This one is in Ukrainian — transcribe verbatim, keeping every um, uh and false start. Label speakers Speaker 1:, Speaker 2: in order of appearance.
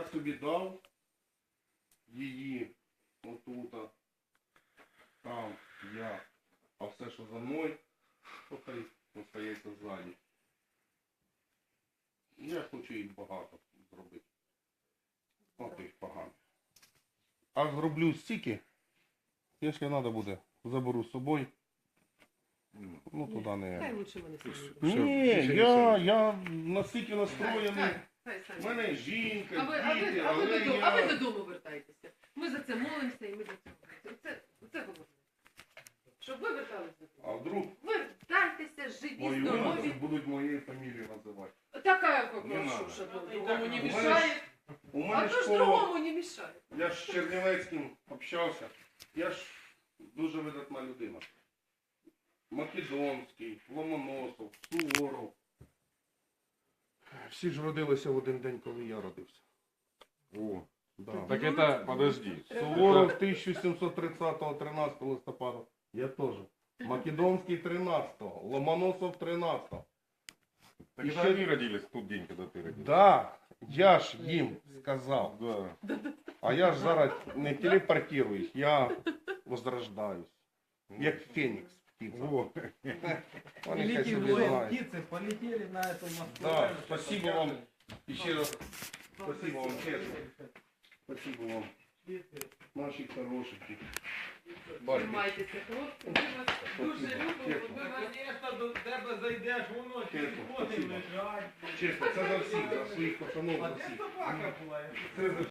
Speaker 1: собі дав її отут, там я, а все, що за мною, то хай остається ззаді. Я хочу їх багато зробити. От їх погано. А зроблю стільки, якщо треба буде, заберу з собою. Ну туди
Speaker 2: Хай
Speaker 1: не...
Speaker 2: лучше вони самі.
Speaker 1: Ні, я, я настільки настроєний.
Speaker 2: Хай, хай,
Speaker 1: У
Speaker 2: хай.
Speaker 1: мене жінка,
Speaker 2: А ви, а, ви,
Speaker 1: діти,
Speaker 2: а, ви
Speaker 1: але
Speaker 2: додому, а ви
Speaker 1: я...
Speaker 2: додому вертайтеся. Ми за це молимося і ми за це молимося. Це, це головне. Щоб ви верталися додому.
Speaker 1: А вдруг
Speaker 2: Вертайтеся, живі,
Speaker 1: мою
Speaker 2: здорові.
Speaker 1: будуть моєю фамілією називати.
Speaker 2: Такая
Speaker 1: Не
Speaker 2: попрошу,
Speaker 1: надо.
Speaker 2: что
Speaker 3: Ну,
Speaker 2: другому не
Speaker 3: у
Speaker 1: мене
Speaker 2: мешает.
Speaker 1: У
Speaker 2: А
Speaker 1: мене
Speaker 2: то ж
Speaker 1: школа,
Speaker 2: другому не мешает.
Speaker 1: я ж з Чернівецьким общався. Я ж дуже видатна людина. Македонський, Ломоносов, Суворов. Всі ж родилися в один день, коли я родився.
Speaker 4: О,
Speaker 1: Да.
Speaker 4: так это, подожди.
Speaker 1: Суворов тисяча сімсот тридцятого тринадцятого листопада. Я теж. Македонський тринадцятого, Ломоносов тринадцятого.
Speaker 4: Так
Speaker 1: И
Speaker 4: это
Speaker 1: все-
Speaker 4: они родились в тот день, когда ты родился.
Speaker 1: Да, я ж їм сказав.
Speaker 4: Да.
Speaker 1: А я ж зараз не телепортируюсь, я возрождаюсь. Як Фенікс птиця.
Speaker 4: Во.
Speaker 1: Вони хай
Speaker 3: Великие
Speaker 1: собі
Speaker 3: воины,
Speaker 1: знають.
Speaker 3: птицы полетели на эту Москву.
Speaker 1: Да, спасибо вам. І ще раз спасибо вам, чесно. Спасибо вам. Наші хорошенькі. Бачите,
Speaker 2: Тримайтеся, хлопці. Ми вас дуже любимо. Ми вас
Speaker 3: Конечно, до тебе зайдеш, воно телефони
Speaker 1: спасибо.
Speaker 3: лежать.
Speaker 1: чесно, це за всіх, за своїх пацанов,
Speaker 3: А
Speaker 1: за
Speaker 3: де
Speaker 1: всіх.
Speaker 3: собака була?
Speaker 1: Це за